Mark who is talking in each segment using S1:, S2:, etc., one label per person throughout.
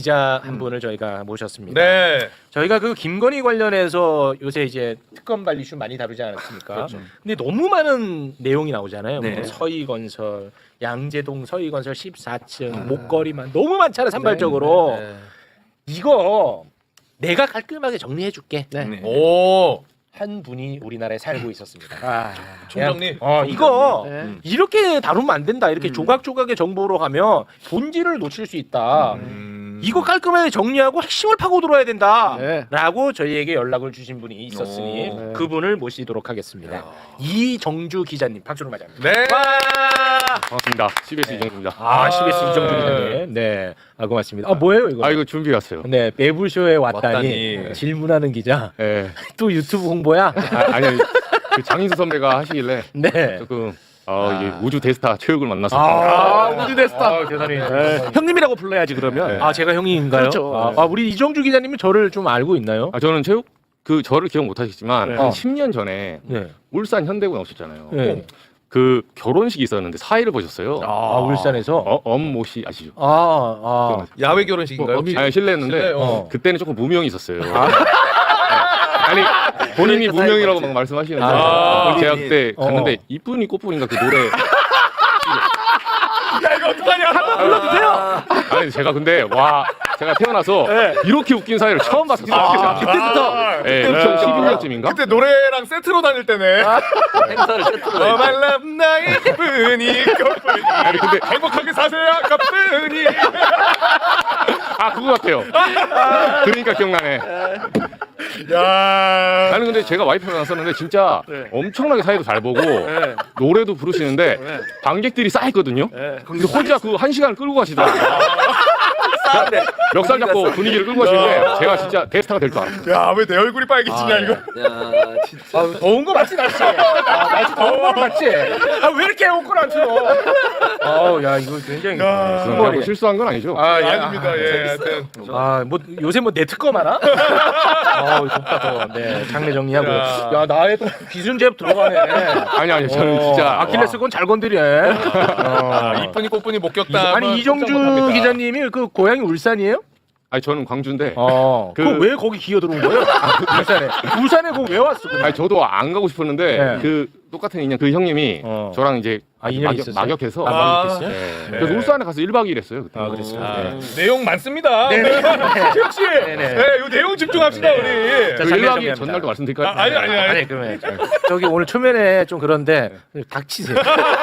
S1: 기자 한 분을 저희가 모셨습니다.
S2: 네.
S1: 저희가 그 김건희 관련해서 요새 이제 특검 발 이슈 많이 다루지 않았습니까?
S2: 그렇죠.
S1: 근데 너무 많은 내용이 나오잖아요.
S3: 네.
S1: 뭐 서희건설, 양재동 서희건설 14층, 목걸이만 너무 많잖아요. 산발적으로.
S3: 네.
S1: 이거 내가 깔끔하게 정리해줄게.
S3: 네.
S2: 오.
S1: 한 분이 우리나라에 살고 있었습니다.
S3: 아,
S2: 총장님.
S1: 이거
S3: 네.
S1: 이렇게 다루면 안 된다. 이렇게 조각조각의 정보로 가면 본질을 놓칠 수 있다. 이거 깔끔하게 정리하고 핵심을 파고 들어야 된다.
S3: 네.
S1: 라고 저희에게 연락을 주신 분이 있었으니
S2: 오.
S1: 그분을 모시도록 하겠습니다. 이정주 기자님 박수로 맞이합니다.
S2: 네.
S4: 반갑습니다. CBS 이정주입니다.
S1: CBS 이정주 기자님. 네. 고맙습니다. 뭐예요 이거?
S4: 이거 준비해 왔어요.
S1: 네, 매불쇼에 왔다니,
S2: 왔다니.
S1: 질문하는 기자.
S4: 예.
S1: 또 유튜브 홍보야?
S4: 아니 그 장인수 선배가 하시길래
S1: 네.
S4: 조금 이게 우주 대스타 체육을 만나서
S1: 우주 대스타. 대단히.
S3: 형님이라고 불러야지 그러면.
S4: 네.
S1: 제가 형님인가요?
S3: 그렇죠.
S1: 우리 이정주 기자님은 저를 좀 알고 있나요?
S4: 저는 체육 저를 기억 못 하시겠지만
S1: 네.
S4: 한 10년 전에
S1: 네.
S4: 울산 현대고 나오셨잖아요.
S1: 네.
S4: 그 결혼식이 있었는데 사회를 보셨어요.
S1: 울산에서.
S4: 엄모 씨 아시죠?
S2: 야외 결혼식인가요? 혹시?
S4: 아니 실례했는데
S2: 실례,
S4: 그때는 조금 무명이 있었어요. 아니 본인이 무명이라고 막 말씀하시는데 제가 그때 갔는데 이쁜이 꽃분인가 그 노래
S2: 야 이거 어떡하냐? 한번
S4: 불러주세요. 아니 제가 근데 제가 태어나서 이렇게 웃긴 사회를 처음 봤었어요.
S2: 그때부터.
S4: 네, 2012년쯤인가?
S2: 그때 노래랑 세트로 다닐 때네.
S3: 행사를 세트로.
S2: 말람 나의 뿐이 꽃뿐이.
S4: 아니 근데
S2: 행복하게 사세요 꽃뿐이.
S4: 그거 같아요. 그러니까 기억나네.
S2: 야.
S4: 나는 근데 제가 와이프랑 왔었는데 진짜 엄청나게 사회도 잘 보고 노래도 부르시는데 관객들이 쌓였거든요. 근데 혼자 그 1시간을 끌고 가시더라고요. 멱살 잡고 분위기를 끌고 가시는데 제가 진짜 대스타가 될 줄 알았어요.
S2: 야 왜 내 얼굴이 빨개지냐 이거.
S3: 야, 진짜.
S1: 더운 거 맞지 날씨? 날씨 더운 거 맞지? 왜 이렇게 옷걸 안 틀어? 야 이거 굉장히
S2: 야.
S4: 그럼 내가 뭐 실수한 건 아니죠?
S2: 아닙니다. 예. 하여튼.
S1: 뭐 요새 뭐 내 특검 하나? 덥다 더워. 네, 장례 정리하고. 야 나의 또 기준제압 들어가네.
S4: 아니 저는 진짜
S1: 아킬레스건 잘 건드려.
S2: 이쁜이 꽃뿐이 못 겪다.
S1: 아니 이정주 기자님이 그 고향이 울산이에요?
S4: 아니 저는 광주인데
S1: 왜 거기 기어 들어온 거예요? 울산에 그거 왜 왔어?
S4: 아니 저도 안 가고 싶었는데
S1: 네.
S4: 그 똑같은 인연 그 형님이 저랑 이제
S1: 인연이 있었어요?
S4: 막역해서
S1: 막역했어요?
S4: 네. 그래서 울산에 가서 1박 2일 했어요 그때.
S1: 그랬어요?
S2: 내용 많습니다. 최욱 씨. 네, 이 내용 집중합시다 우리.
S1: 자,
S4: 그
S1: 장례
S4: 1박 2일
S1: 정리합니다.
S4: 전날도 말씀드릴까요?
S2: 아니.
S1: 그러면 저기 오늘 초면에 좀 그런데 닥치세요.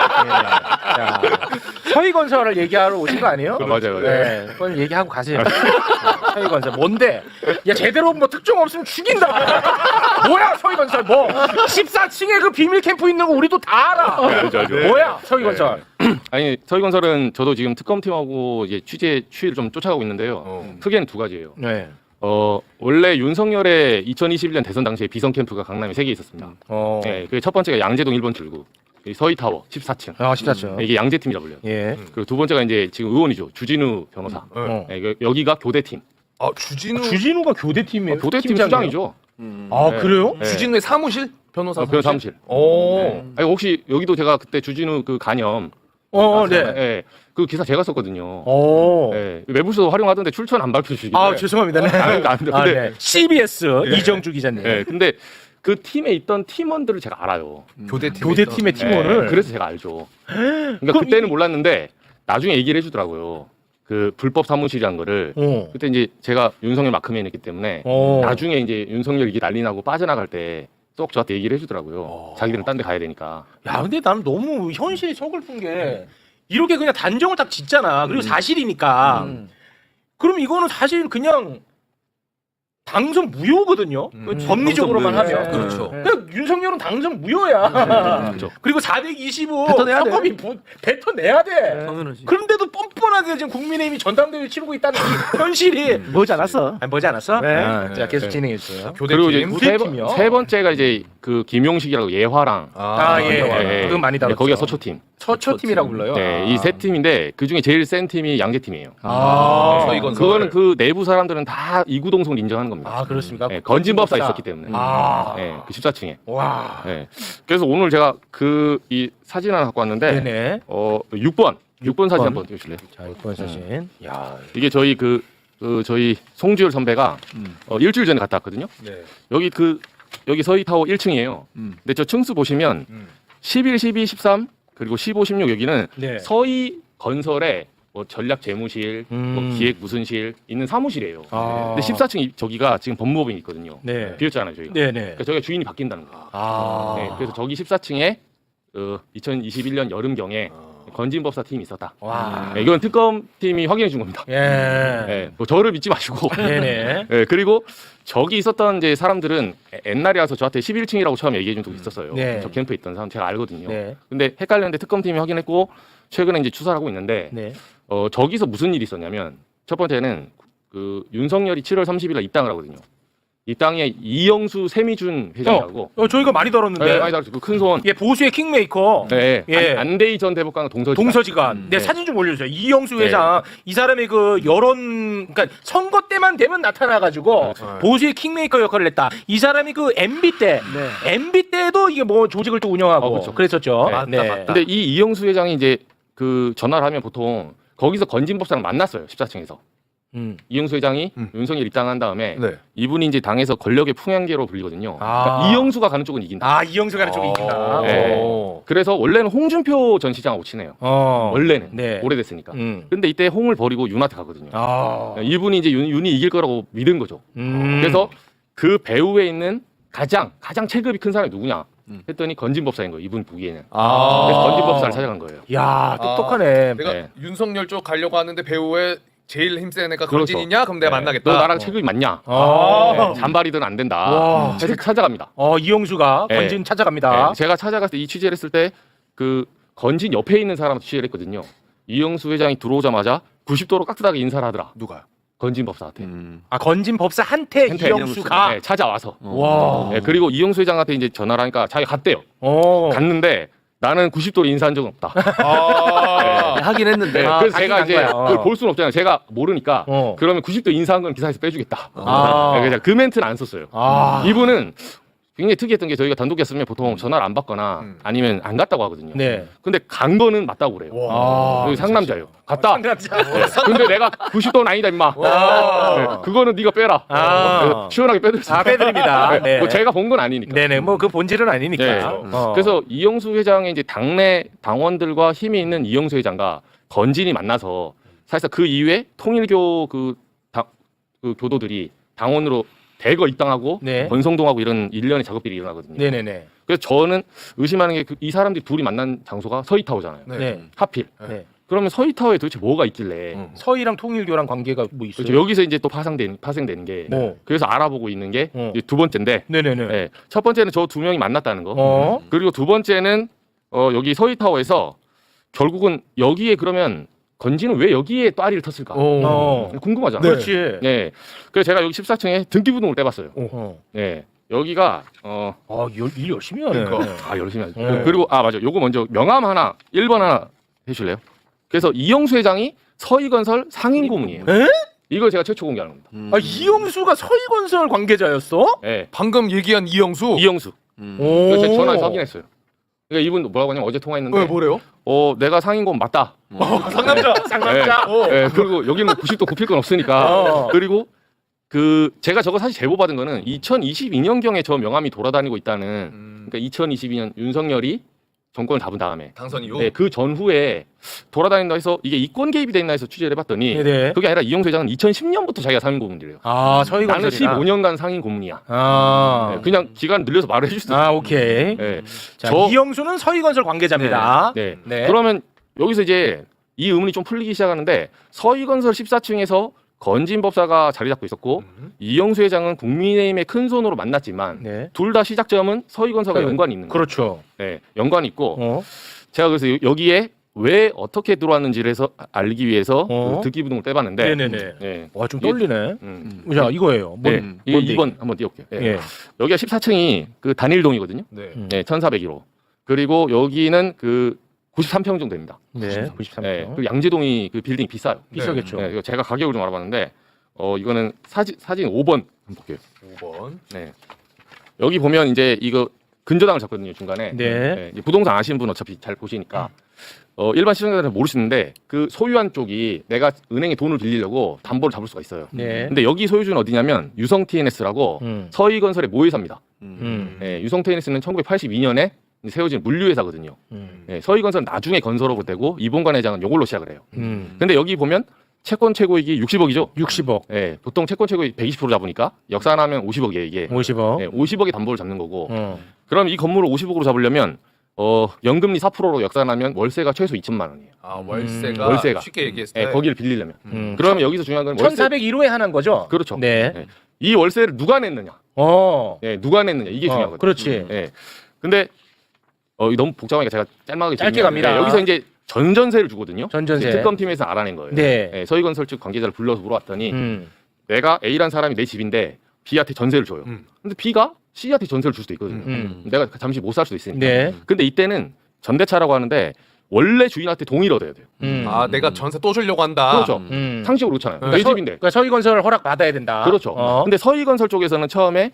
S1: 자, 서희건설을 얘기하러 오신 거 아니에요?
S4: 맞아요.
S1: 네, 그건 얘기하고 가세요. 서희건설 뭔데? 야 제대로 뭐 특종 없으면 죽인다. 뭐야 서희건설 뭐? 14층에 그 비밀 캠프 있는 거 우리도 다 알아.
S4: 알죠.
S1: 뭐야 서희건설?
S4: 아니 서희건설은 저도 지금 특검팀하고 이제 취재 추이를 좀 쫓아가고 있는데요. 크게는 두 가지예요.
S1: 네.
S4: 원래 윤석열의 2021년 대선 당시에 비선 캠프가 강남에 3개 있었습니다. 네, 그 첫 번째가 양재동 1번 출구, 서희타워 14층.
S1: 14층.
S4: 이게 양재팀이라 불려요.
S1: 예.
S4: 그리고 두 번째가 이제 지금 의원이죠. 주진우 변호사. 네, 여기가 교대팀.
S1: 주진우가 교대팀이에요?
S4: 교대팀
S1: 팀장이에요?
S4: 수장이죠.
S1: 아 그래요?
S4: 네.
S2: 주진우의 사무실? 변호사
S4: 변호사 사무실.
S2: 오.
S4: 아니, 혹시 여기도 제가 그때 주진우 그 간염.
S1: 네.
S4: 네, 그 기사 제가 썼거든요.
S1: 오.
S4: 네, 매부쇼도 활용하던데 출처는 안 밝혀주시길래.
S1: 죄송합니다. 네.
S4: 근데
S1: CBS 이정주 기자님.
S4: 네, 근데 그 팀에 있던 팀원들을 제가 알아요.
S1: 교대팀의 팀원을.
S4: 네, 그래서 제가 알죠. 그러니까 그때는 몰랐는데 나중에 얘기를 해주더라고요. 그 불법 사무실이란 거를. 그때 이제 제가 윤석열 마크맨이었기 때문에 나중에 이제 윤석열 이게 난리 나고 빠져나갈 때 쏙 저한테 얘기를 해주더라고요. 자기들은 딴 데 가야 되니까.
S1: 야, 근데 나는 너무 현실이 서글픈 게 이렇게 그냥 단정을 딱 짓잖아. 그리고 사실이니까. 그럼 이거는 사실 그냥 당선 무효거든요. 법리적으로만
S3: 당선
S1: 하면.
S3: 무효.
S2: 그렇죠.
S1: 그러니까 윤석열은 당선 무효야.
S4: 그렇죠.
S1: 그리고 425
S3: 뱉어내야 돼.
S1: 헌법이 뱉어내야 돼.
S3: 당연하지.
S1: 그런데도 뻔뻔하게 지금 국민의힘이 전당대회 치르고 있다는 이 현실이
S3: 뭐지 않았어?
S1: 뭐지 않았어?
S3: 네.
S1: 자 계속 진행해 주세요.
S4: 그리고 이제
S1: 교대팀이요?
S4: 세 번째가 이제 그 김용식이라고 예화랑.
S1: 그건 많이 다뤘죠.
S4: 거기가 서초팀.
S1: 서초팀이라고 불러요.
S4: 네, 이 세 팀인데 그 중에 제일 센 팀이 양재팀이에요.
S2: 서희건설.
S4: 그거는 그 내부 사람들은 다 이구동성을 인정하는 겁니다.
S1: 그렇습니까?
S4: 네, 건진법사 있었기 때문에. 네, 그 14층에.
S1: 와.
S4: 네. 그래서 오늘 제가 그 이 사진 하나 갖고 왔는데
S1: 네네.
S4: 6번 사진 한번 띄워주실래요?
S1: 자, 6번 사진. 야,
S4: 이게 저희 그 그 저희 송주열 선배가 일주일 전에 갔다 왔거든요.
S2: 네.
S4: 여기 서희타워 1층이에요. 근데 저 층수 보시면 11, 12, 13 그리고 15, 16 여기는
S1: 네.
S4: 서희 건설의 뭐 전략 재무실, 뭐 기획 무슨실 있는 사무실이에요.
S1: 아.
S4: 근데 14층 저기가 지금 법무법인이 있거든요.
S1: 네.
S4: 비었잖아요 저희가.
S1: 네네.
S4: 그러니까 저희가 주인이 바뀐다는 거예요.
S1: 아.
S4: 네, 그래서 저기 14층에 2021년 여름경에 건진법사 팀이 있었다.
S1: 와.
S4: 네, 이건 특검팀이 확인해 준 겁니다.
S1: 예.
S4: 네, 뭐 저를 믿지 마시고.
S1: 네네.
S4: 네, 그리고 저기 있었던 이제 사람들은 옛날에 와서 저한테 11층이라고 처음 얘기해 준 적이 있었어요.
S1: 네.
S4: 저 캠프에 있던 사람 제가 알거든요.
S1: 네.
S4: 근데 헷갈렸는데 특검팀이 확인했고 최근에 이제 추사를 하고 있는데
S1: 네.
S4: 저기서 무슨 일이 있었냐면 첫 번째는 그 윤석열이 7월 30일 날 입당을 하거든요. 입당에 이영수 세미준 회장이라고
S1: 저희가 많이 다뤘는데.
S4: 네, 많이 다뤘죠. 그 큰 손.
S1: 예, 보수의 킹메이커.
S4: 네,
S1: 예.
S4: 안대희 전 대법관과 동서지간.
S1: 동서지간. 네,
S4: 네.
S1: 사진 좀 올려주세요. 이영수
S4: 네.
S1: 회장. 이 사람이 그 여론, 그러니까 선거 때만 되면 나타나가지고 보수의 킹메이커 역할을 했다. 이 사람이 그 MB 때, MB 때도 이게 뭐 조직을 또 운영하고
S4: 그렇죠.
S1: 그랬었죠.
S4: 네.
S1: 네.
S4: 근데 이 이영수 회장이 이제 그 전화를 하면 보통 거기서 건진법사랑 만났어요. 14층에서. 이영수 회장이 윤석열 입당한 다음에
S2: 네.
S4: 이분이 이제 당에서 권력의 풍향계로 불리거든요.
S1: 아.
S4: 그러니까 이영수가 가는 쪽은 이긴다.
S1: 아, 이영수 가는 쪽이 이긴다.
S4: 네.
S1: 오.
S4: 그래서 원래는 홍준표 전 시장하고 친해요. 원래는
S1: 네.
S4: 오래됐으니까. 근데 이때 홍을 버리고 윤한테 가거든요.
S1: 아.
S4: 이분이 이제 윤이 이길 거라고 믿은 거죠. 그래서 그 배후에 있는 가장 체급이 큰 사람이 누구냐 했더니 건진법사인 거예요. 이분 보기에는. 그래서 건진법사를 찾아간 거예요.
S1: 야, 똑똑하네.
S2: 내가
S4: 네.
S2: 윤석열 쪽 가려고 하는데 배우에 제일 힘센 애가
S4: 그렇죠.
S2: 건진이냐? 그럼 내가
S4: 네.
S2: 만나겠다.
S4: 너 나랑 체급이 맞냐?
S1: 아.
S4: 네, 잔발이든 안 된다.
S1: 와.
S4: 해서 찾아갑니다.
S1: 이영수가
S4: 네.
S1: 건진 찾아갑니다.
S4: 네, 제가 찾아갔을 때 이 취재를 했을 때 그 건진 옆에 있는 사람도 취재를 했거든요. 이영수 회장이 들어오자마자 90도로 깍듯하게 인사를 하더라.
S2: 누가요?
S4: 건진 법사한테.
S1: 아, 건진 법사한테 이영수가.
S4: 네, 찾아와서.
S1: 와.
S4: 네, 그리고 이영수 회장한테 이제 전화를 하니까 자기가 갔대요. 갔는데 나는 90도로 인사한 적은 없다.
S2: 아.
S3: 하긴 했는데.
S4: 네,
S1: 아,
S4: 그래서
S1: 가긴
S4: 제가
S1: 간
S4: 이제
S1: 거야.
S4: 그걸 볼 수는 없잖아요. 제가 모르니까. 그러면 90도 인사한 건 기사에서 빼주겠다. 네, 그래서 그 멘트는 안 썼어요. 이분은 굉장히 특이했던 게 저희가 단독 했으면 보통 전화를 안 받거나 아니면 안 갔다고 하거든요.
S1: 네.
S4: 근데 간 거는 맞다고 그래요. 여기 상남자예요. 갔다.
S1: 상남자.
S4: 네. 근데 내가 90도는 아니다 임마. 네, 그거는 네가 빼라. 네, 시원하게 빼드렸어요.
S1: 빼드립니다. 네.
S4: 뭐 제가 본 건 아니니까.
S1: 네네, 뭐 그 본질은 아니니까.
S4: 네. 그래서 이영수 회장의 이제 당내 당원들과 힘이 있는 이영수 회장과 건진이 만나서 사실상 그 이후에 통일교 그 교도들이 당원으로 대거 입당하고
S1: 네.
S4: 권성동하고 이런 일련의 작업들이 일어나거든요.
S1: 네네네.
S4: 그래서 저는 의심하는 게 이 사람들이 둘이 만난 장소가 서희타워잖아요.
S1: 네.
S4: 하필.
S1: 네.
S4: 그러면 서희타워에 도대체 뭐가 있길래
S1: 서희랑 통일교랑 관계가 뭐 있어요?
S4: 그렇죠. 여기서 이제 또 파생되는 게
S1: 뭐?
S4: 그래서 알아보고 있는 게 이제 두 번째인데
S1: 네네네.
S4: 네. 첫 번째는 저 두 명이 만났다는 거. 그리고 두 번째는 여기 서희타워에서 결국은 여기에 그러면 건진은 왜 여기에 또 아리를 텄을까? 궁금하잖아요.
S1: 그렇지.
S4: 네. 그래서 제가 여기 14층에 등기부등을 떼봤어요. 네. 여기가
S1: 일 열심히 하네.
S4: 열심히 하죠.
S1: 네.
S4: 그리고 맞아. 요거 먼저 명함 하나 1번 하나 해줄래요? 그래서 이영수 회장이 서희건설 상임 고문이에요.
S1: 에?
S4: 이걸 제가 최초 공개하는 겁니다.
S1: 아, 이영수가 서희건설 관계자였어?
S4: 네.
S2: 방금 얘기한 이영수.
S4: 이영수. 그래서 제가 전화해서 확인했어요. 그러니까 이분 뭐라고 하냐면 어제 통화했는데
S2: 뭐래요?
S4: 내가 상임 고문 맞다.
S1: 상남자.
S4: 네, 그리고 여기는 90도 굽힐 건 없으니까. 그리고 제가 저거 사실 제보 받은 거는 2022년경에 저 명함이 돌아다니고 있다는. 그러니까 2022년 윤석열이 정권을 잡은 다음에.
S2: 당선 이후.
S4: 네, 그 전후에 돌아다닌다 해서 이게 이권 개입이 됐나 해서 취재를 해봤더니
S1: 네네.
S4: 그게 아니라 이영수 회장은 2010년부터 자기가 상임 고문이래요.
S1: 아,
S4: 나는
S1: 서희건설이나.
S4: 15년간 상임 고문이야. 네, 그냥 기간 늘려서 말을 해줄 수 있어요.
S1: 오케이.
S4: 네.
S1: 자, 이영수는 서희건설 관계자입니다.
S4: 네.
S1: 네.
S4: 그러면 여기서 이제 이 의문이 좀 풀리기 시작하는데 서희건설 14층에서 건진법사가 자리 잡고 있었고 이영수 회장은 국민의힘의 큰 손으로 만났지만
S1: 네.
S4: 둘 다 시작점은 서희건설과 연관이 있는 거예요.
S1: 그렇죠.
S4: 네, 연관이 있고 제가 그래서 여기에 왜 어떻게 들어왔는지를 해서 알기 위해서 그 등기부등을 떼봤는데
S1: 네네네.
S4: 네.
S1: 와, 좀 떨리네.
S4: 음.
S1: 자, 이거예요.
S4: 네. 이거 2번 한번 띄워볼게요. 네.
S1: 예.
S4: 여기가 14층이 그 단일동이거든요.
S2: 네.
S4: 네, 1401호. 그리고 여기는 그 93평 정도 됩니다.
S1: 네. 93평.
S4: 네, 그 양재동이 그 빌딩이 비싸요.
S1: 비싸겠죠.
S4: 네, 이거 제가 가격을 좀 알아봤는데 이거는 사진 5번 한번 볼게요.
S2: 5번.
S4: 네. 여기 보면 이제 이거 근저당을 잡거든요 중간에.
S1: 네.
S4: 이제 부동산 아시는 분 어차피 잘 보시니까 일반 시청자들은 모르시는데 그 소유한 쪽이 내가 은행에 돈을 빌리려고 담보를 잡을 수가 있어요.
S1: 네.
S4: 근데 여기 소유주는 어디냐면 유성 TNS라고 서희건설의 모회사입니다. 예, 유성 TNS는 1982년에 세워진 물류회사거든요. 예, 서희건설은 나중에 건설업으로 되고 이봉관 회장은 이걸로 시작을 해요. 근데 여기 보면 채권 최고이익이 60억이죠.
S1: 60억,
S4: 예, 보통 채권 최고이익 120% 잡으니까 역산하면 50억이에요 이게.
S1: 50억.
S4: 예, 50억의 담보를 잡는 거고. 그럼 이 건물을 50억으로 잡으려면 연금리 4%로 역산하면 월세가 최소 2천만 원이에요.
S2: 아 월세가,
S4: 월세가.
S2: 쉽게 얘기했을
S4: 예,
S2: 때
S4: 거기를 빌리려면. 그러면 여기서 중요한 건 월세.
S1: 1,401호에 하나인 거죠?
S4: 그렇죠.
S1: 네.
S4: 예. 이 월세를 누가 냈느냐. 예, 누가 냈느냐 이게 중요하거든요.
S1: 그렇지.
S4: 예. 근데 이거 너무 복잡하니까 제가 짧게
S1: 짧게 갑니다.
S4: 여기서 이제 전전세를 주거든요.
S1: 전전세.
S4: 특검팀에서 알아낸 거예요.
S1: 네.
S4: 예, 서희건설 측 관계자를 불러서 물어봤더니
S1: 음.
S4: 내가 A라는 사람이 내 집인데 B한테 전세를 줘요. 근데 B가 C한테 전세를 줄 수도 있거든요. 내가 잠시 못 살 수도 있으니까.
S1: 네.
S4: 근데 이때는 전대차라고 하는데 원래 주인한테 동의를 얻어야 돼요.
S2: 아 내가 전세 또 주려고 한다.
S4: 그렇죠. 상식으로 그렇잖아요. 내 집인데.
S1: 그러니까 서희건설 허락 받아야 된다.
S4: 그렇죠. 근데 서희건설 쪽에서는 처음에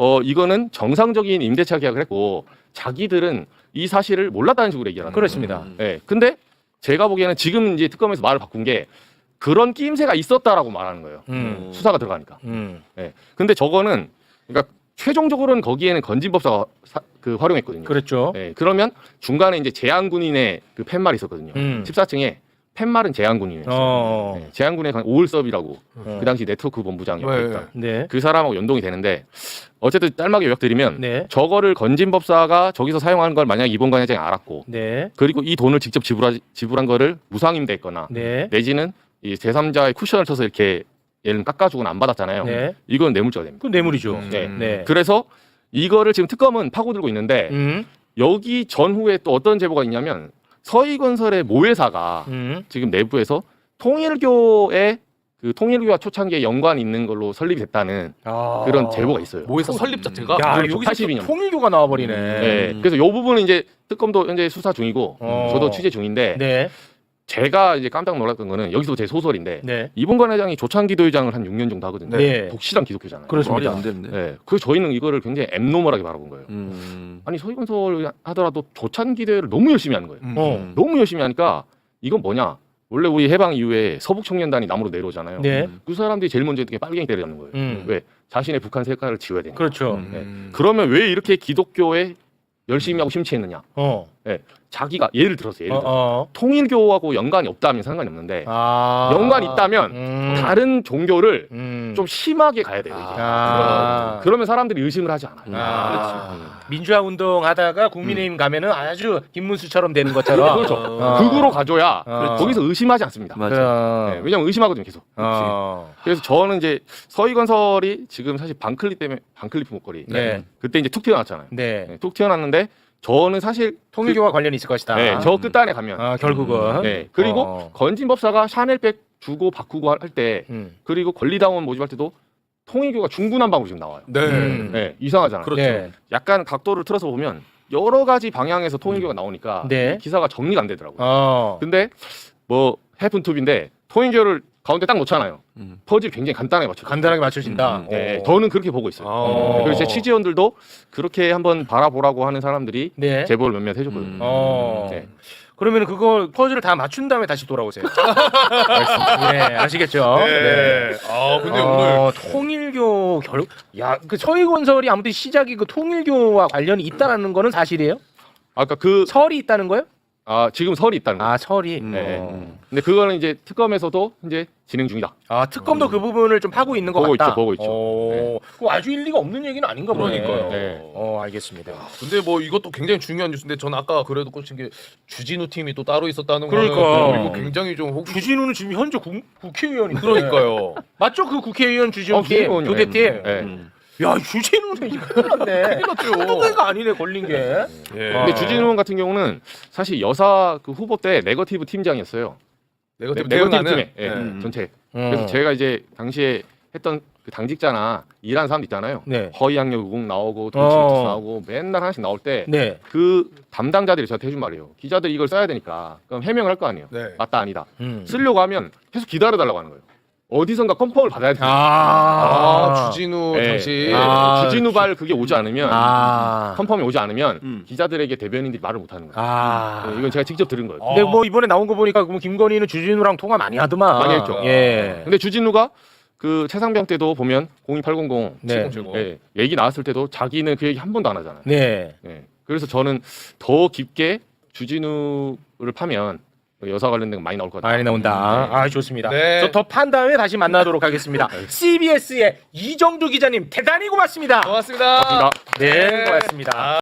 S4: 이거는 정상적인 임대차 계약을 했고 자기들은 이 사실을 몰랐다는 식으로 얘기를 하는 거예요.
S1: 그렇습니다.
S4: 네. 근데 제가 보기에는 지금 이제 특검에서 말을 바꾼 게 그런 끼임새가 있었다라고 말하는 거예요. 수사가 들어가니까. 네. 근데 저거는 그러니까 최종적으로는 거기에는 건진법사가 활용했거든요.
S1: 그렇죠.
S4: 네. 그러면 중간에 이제 제한군인의 그 팻말이 있었거든요. 14층에 팻말은 제한군인이었어요. 네. 제한군의 오을섭이라고 그 당시 네트워크 본부장이었다.
S1: 네.
S4: 그 사람하고 연동이 되는데 어쨌든 짧게 요약드리면
S1: 네.
S4: 저거를 건진법사가 저기서 사용하는 걸 만약 이봉관 회장이 알았고
S1: 네.
S4: 그리고 이 돈을 직접 지불한 거를 무상임대했거나
S1: 네.
S4: 내지는 이 제3자의 쿠션을 쳐서 이렇게 얘는 깎아주고는 안 받았잖아요.
S1: 네.
S4: 이건 뇌물죄가 됩니다.
S1: 그 뇌물이죠.
S4: 네.
S1: 네.
S4: 그래서 이거를 지금 특검은 파고들고 있는데 여기 전후에 또 어떤 제보가 있냐면 서희건설의 모회사가 지금 내부에서 통일교의 그 통일교와 초창기에 연관이 있는 걸로 설립이 됐다는 그런 제보가 있어요.
S2: 모회사 설립 자체가
S1: 야,
S4: 그렇죠.
S1: 여기서
S4: 82년.
S1: 통일교가 나와버리네.
S4: 네. 그래서 이 부분은 이제 특검도 현재 수사 중이고 저도 취재 중인데
S1: 네.
S4: 제가 이제 깜짝 놀랐던 거는 여기서 제 소설인데
S1: 네.
S4: 이봉관 회장이 조창기도회장을 한 6년 정도 하거든요.
S1: 네.
S4: 독실한 기독교잖아요.
S1: 그렇습니다.
S3: 안 되는데.
S4: 네. 그래서 저희는 이거를 굉장히 앱노멀하게 바라본 거예요. 아니 서희건설 하더라도 조창기대회를 너무 열심히 하는 거예요. 너무 열심히 하니까 이건 뭐냐? 원래 우리 해방 이후에 서북청년단이 남으로 내려오잖아요.
S1: 네.
S4: 그 사람들이 제일 먼저 이렇게 빨갱이 때려잡는 거예요. 왜? 자신의 북한 색깔을 지워야 되니까.
S1: 그렇죠.
S4: 네. 그러면 왜 이렇게 기독교에 열심히 하고 심취했느냐? 네. 자기가 예를 들어서 통일교하고 연관이 없다면 상관이 없는데 연관이 있다면 다른 종교를 좀 심하게 가야 돼요. 이게. 그러면 사람들이 의심을 하지 않아요.
S1: 민주화 운동 하다가 국민의힘 가면은 아주 김문수처럼 되는 것처럼.
S4: 그렇죠. 극으로 가줘야 거기서 의심하지 않습니다.
S3: 맞아.
S4: 네, 왜냐면 의심하거든요, 계속. 그래서 저는 이제 서희건설이 지금 사실 반클리프 목걸이.
S1: 네.
S4: 그때 이제 툭 튀어나왔잖아요.
S1: 네.
S4: 네, 툭 튀어나왔는데 저는 사실
S1: 통일교와 관련이 있을 것이다.
S4: 네, 저 끝단에 가면
S1: 결국은.
S4: 네, 그리고 건진법사가 샤넬백 주고 바꾸고 할 때 그리고 권리당원 모집할 때도 통일교가 중구난방으로 지금 나와요. 네, 이상하잖아요.
S2: 그렇죠.
S1: 네.
S4: 약간 각도를 틀어서 보면 여러 가지 방향에서 통일교가 나오니까
S1: 네.
S4: 기사가 정리가 안 되더라고요. 근데 뭐 해픈투비인데 통일교를 가운데 딱 놓잖아요. 퍼즐 굉장히 간단하게 맞춰.
S1: 간단하게 맞춰진다.
S4: 네, 저는 그렇게 보고 있어요. 그리고 제 취재원들도 그렇게 한번 바라보라고 하는 사람들이
S1: 네.
S4: 제보를 몇몇 해줬거든요. 네.
S1: 그러면 그거 퍼즐을 다 맞춘 다음에 다시 돌아오세요. 네, 아시겠죠?
S2: 네. 아 근데 오늘
S1: 통일교 그 서희건설이 아무튼 시작이 그 통일교와 관련이 있다라는 거는 사실이에요?
S4: 아까 그
S1: 설이 있다는 거예요?
S4: 지금 설이 있다는 거예요.
S1: 설이.
S4: 네. 근데 그거는 이제 특검에서도 이제 진행 중이다.
S1: 특검도 그 부분을 좀 파고 있는 것
S4: 보고
S1: 같다.
S4: 있죠, 보고 있죠.
S1: 네. 그거 아주 일리가 없는 얘기는 아닌가 보네.
S2: 그러니까요.
S4: 네.
S1: 알겠습니다.
S2: 근데 뭐 이것도 굉장히 중요한 뉴스인데 전 아까 그래도 꽂힌 게 주진우 팀이 또 따로 있었다는
S1: 그러니까.
S2: 거는 이거 굉장히 좀
S1: 주진우는 지금 현재 국회의원인데.
S2: 그러니까요.
S1: 맞죠? 그 국회의원 주진우 팀,
S4: 국회의원이요.
S1: 교대팀.
S4: 네.
S1: 야, 주진우는 이거 큰일 났네.
S2: 큰일 났죠.
S1: 한두 개가 아니네, 걸린 게.
S2: 예.
S4: 근데 주진우 의원 같은 경우는 사실 여사 그 후보 때 네거티브 팀장이었어요.
S2: 네거티브
S4: 네거티브
S2: 팀에
S4: 팀에 전체. 그래서 제가 이제 당시에 했던 그 당직자나 일하는 사람들 있잖아요.
S1: 네.
S4: 허위학력 의혹 나오고 도치미투스 나오고 맨날 하나씩 나올 때 그
S1: 네.
S4: 담당자들이 저한테 해준 말이에요. 기자들이 이걸 써야 되니까 그럼 해명을 할 거 아니에요.
S2: 네.
S4: 맞다 아니다. 쓰려고 하면 계속 기다려달라고 하는 거예요. 어디선가 컨펌을 받아야 돼요.
S2: 주진우
S4: 네.
S2: 당시.
S4: 주진우발 그게 오지 않으면 컨펌이 오지 않으면 기자들에게 대변인들이 말을 못 하는 거예요. 네, 이건 제가 직접 들은 거예요.
S1: 근데 뭐 이번에 나온 거 보니까 그럼 김건희는 주진우랑 통화 많이 하더만.
S4: 많이 했죠.
S1: 예.
S4: 근데 주진우가 그 최상병 때도 보면 02800
S1: 네.
S4: 얘기 나왔을 때도 자기는 그 얘기 한 번도 안 하잖아요.
S1: 네.
S4: 네. 그래서 저는 더 깊게 주진우를 파면 여사 관련된 거 많이 나올 것 같아요.
S1: 많이 나온다. 아, 좋습니다.
S2: 네.
S1: 저 더 판 다음에 다시 만나도록 하겠습니다. CBS의 이정주 기자님 대단히 고맙습니다.
S2: 고맙습니다.
S4: 고맙습니다.
S1: 네, 고맙습니다.